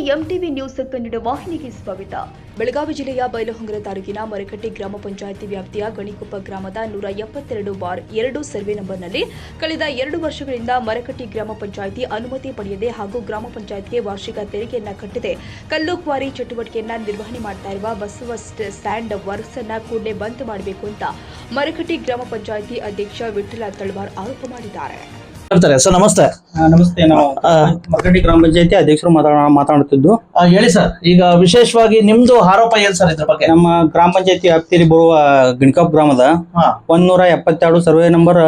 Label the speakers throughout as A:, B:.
A: MTV news Kannada ವಾಹಿನಿಗೆ ಸ್ವಾಗತ. ಬೆಳಗಾವಿ ಜಿಲ್ಲೆಯ ಬೈಲಹೊಂಗಲ ತಾಲೂಕಿನ ಮರಕಟ್ಟಿ ಗ್ರಾಮ ಪಂಚಾಯಿತಿ ವ್ಯಾಪ್ತಿಯ ಗಣಿಕೊಪ್ಪ ಗ್ರಾಮದ 172/2 ಸರ್ವೆ ನಂಬರ್ನಲ್ಲಿ ಕಳೆದ 2 ವರ್ಷಗಳಿಂದ ಮರಕಟ್ಟಿ ಗ್ರಾಮ ಪಂಚಾಯಿತಿ ಅನುಮತಿ ಪಡೆಯದೆ ಹಾಗೂ ಗ್ರಾಮ ಪಂಚಾಯಿತಿಗೆ ವಾರ್ಷಿಕ ತೆರಿಗೆಯನ್ನ ಕಟ್ಟದೆ ಕಲ್ಲು ಕ್ವಾರಿ ಚಟುವಟಿಕೆಯನ್ನ ನಿರ್ವಹಣೆ ಮಾಡ್ತಾ ಇರುವ ಬಸವ ಸ್ಟ್ಯಾಂಡ್ ವರ್ಕ್ಸ್ ಅನ್ನ ಕೂಡಲೇ ಬಂದ್ ಮಾಡಬೇಕು ಅಂತ ಮರಕಟ್ಟಿ ಗ್ರಾಮ ಪಂಚಾಯಿತಿ ಅಧ್ಯಕ್ಷ ವಿಠ್ಠಲ ತಳವಾರ್ ಆರೋಪ ಮಾಡಿದ್ದಾರೆ.
B: ಸರ್ ನಮಸ್ತೆ.
C: ನಮಸ್ತೆ. ನಾವು ಮರಕಟ್ಟಿ ಗ್ರಾಮ ಪಂಚಾಯತಿ ಅಧ್ಯಕ್ಷರು ಮಾತಾಡುತ್ತಿದ್ದು.
B: ಹೇಳಿ ಸರ್, ಈಗ ವಿಶೇಷವಾಗಿ ನಿಮ್ದು ಆರೋಪ ಏನ್ ಸರ್ ಇದ್ರ ಬಗ್ಗೆ?
C: ನಮ್ಮ ಗ್ರಾಮ ಪಂಚಾಯತಿ ವ್ಯಾಪ್ತಿಯಲ್ಲಿ ಬರುವ ಗಣಿಕೊಪ್ಪ ಗ್ರಾಮದ 172 ಸರ್ವೆ ನಂಬರ್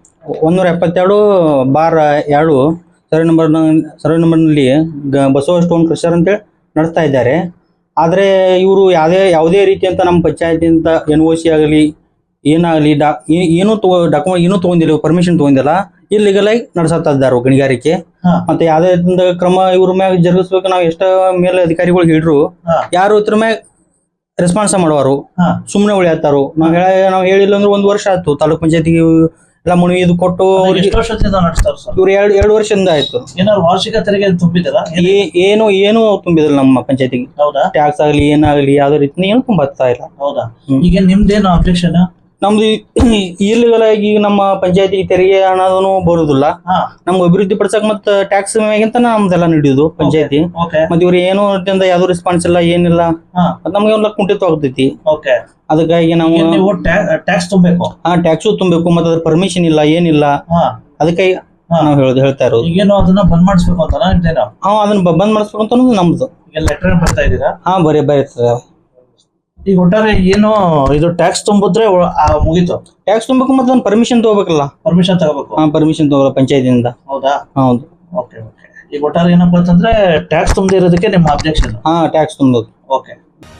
C: 172/2 ಸರ್ವೆ ನಂಬರ್ನಲ್ಲಿ ಬಸವ ಸ್ಟೋನ್ ಕ್ರಷರ್ ಅಂತೇಳಿ ನಡೆಸ್ತಾ ಇದ್ದಾರೆ. ಆದರೆ ಇವರು ಯಾವುದೇ ರೀತಿಯಂತ ನಮ್ಮ ಪಂಚಾಯತಿಯಿಂದ NOC ಆಗಲಿ ಏನಾಗಲಿ ಏನೂ ಡಾಕ್ಯುಮೆಂಟ್ ಏನೂ ತಗೊಂಡಿಲ್ಲ, ಪರ್ಮಿಷನ್ ತಗೊಂಡಿಲ್ಲ, ಇಲ್ಲಿಗಲ್ ಆಗಿ ನಡೆಸತ್ತಾ ಇದ್ದಾರೆ ಗಣಿಗಾರಿಕೆ. ಮತ್ತೆ ಯಾವುದೇ ಕ್ರಮ ಇವ್ರ ಮ್ಯಾಗ ಜರುಗಿಸ್ಬೇಕು. ನಾವು ಎಷ್ಟ ಮೇಲೆ ಅಧಿಕಾರಿಗಳು ಹೇಳಿದ್ರು ಯಾರು ಇದ್ರ ಮ್ಯಾಗ ರೆಸ್ಪಾನ್ಸ್ ಮಾಡೋರು, ಸುಮ್ಮನೆ ಉಳಿಯತ್ತಾರು. ನಾವು ಹೇಳಿಲ್ಲ ಅಂದ್ರೆ 1 ವರ್ಷ ಆಯ್ತು ತಾಲೂಕ್ ಪಂಚಾಯತಿಗೆ ಎಲ್ಲ ಮನವಿ ಇದು ಕೊಟ್ಟು. ಇವ್ರು 2 ವರ್ಷದಿಂದ ಆಯ್ತು.
B: ವಾರ್ಷಿಕ ತೆರಿಗೆ ತುಂಬಿದಿಲ್ಲ?
C: ಏನು ತುಂಬಿದಿಲ್ಲ ನಮ್ಮ ಪಂಚಾಯತಿಗೆ. ಟ್ಯಾಕ್ಸ್ ಆಗ್ಲಿ ಏನಾಗ್ಲಿ ಯಾವ್ದೇ ರೀತಿ ಏನು ತುಂಬತ್ತಾ ಇಲ್ಲ.
B: ಹೌದಾ? ಈಗ ನಿಮ್ದೇನು ಅಬ್ಜೆಕ್ಷನ್?
C: ನಮ್ದು ಇಲ್ಲಿಗಲ್ ಆಗಿ ನಮ್ಮ ಪಂಚಾಯತಿಗೆ ತೆರಿಗೆ ಹಣನು ಬರುದಿಲ್ಲ. ನಮ್ಗೆ ಅಭಿವೃದ್ಧಿ ಪಡಿಸಕ್ ಮತ್ತ ಟ್ಯಾಕ್ಸ್ ಮ್ಯಾಗಿಂತ ನಮ್ದೆಲ್ಲ ನಡೆಯುದು ಪಂಚಾಯತಿ. ಮತ್ ಇವ್ರು ಏನು ಯಾವ್ದು ರೆಸ್ಪಾನ್ಸ್ ಇಲ್ಲ, ಏನಿಲ್ಲ. ನಮ್ಗೆ ಎಲ್ಲ ಕುಂಠಿತ ಆಗ್ತೈತಿ. ಅದಕ್ಕಾಗಿ ನಾವು
B: ಟ್ಯಾಕ್ಸ್ ತುಂಬಬೇಕು.
C: ಟ್ಯಾಕ್ಸು ತುಂಬಬೇಕು, ಮತ್ತೆ ಅದ್ರ ಪರ್ಮಿಷನ್ ಇಲ್ಲ, ಏನಿಲ್ಲ. ಅದಕ್ಕಾಗಿ ನಾವು ಹೇಳ್ತಾ ಇರೋದು.
B: ಈಗೇನು ಅದನ್ನ ಬಂದ್ ಮಾಡಿಸ್ಬೇಕು ಅಂತ
C: ಅದನ್ನ ಬಂದ್ ಮಾಡಿಸ್ಬೇಕು ಅಂತ ಅನ್ನೋದು ನಮ್ದು.
B: ಈಗ ಲೆಟರ್ ಬರ್ತಾ ಇದ್ದೀರಾ?
C: ಬರೀತದ.
B: ಈಗ ಒಟ್ಟಾರೆ ಏನು ಇದು ಟ್ಯಾಕ್ಸ್ ತುಂಬಿದ್ರೆ ಮುಗೀತು?
C: ಟ್ಯಾಕ್ಸ್ ತುಂಬಬೇಕು, ಮತ್ತೆ ಒಂದು ಪರ್ಮಿಷನ್ ತಗೋಬೇಕಲ್ಲ.
B: ಪರ್ಮಿಷನ್ ತಗೋಬೇಕು.
C: ಪರ್ಮಿಷನ್ ತಗೋಲ್ಲ ಪಂಚಾಯತಿಯಿಂದ.
B: ಹೌದಾ?
C: ಹೌದು.
B: ಓಕೆ. ಈಗ ಒಟ್ಟಾರೆ ಏನಪ್ಪಾ ಅಂತಂದ್ರೆ ಟ್ಯಾಕ್ಸ್ ತುಂಬದಿರೋದಕ್ಕೆ ನಿಮ್ಮ ಅಬ್ಜೆಕ್ಷನ್?
C: ಟ್ಯಾಕ್ಸ್ ತುಂಬೋದು.
B: ಓಕೆ.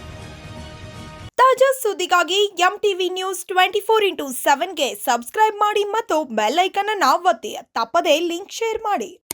D: ತಾಜಾ ಸುದ್ದಿಗಾಗಿ ಎಂಟಿವಿ ನ್ಯೂಸ್ 24x7ಗೆ ಸಬ್ಸ್ಕ್ರೈಬ್ ಮಾಡಿ ಮತ್ತು ಬೆಲ್ ಐಕಾನ್ ಅನ್ನು ಒತ್ತಿ. ತಪ್ಪದೇ ಲಿಂಕ್ ಶೇರ್ ಮಾಡಿ.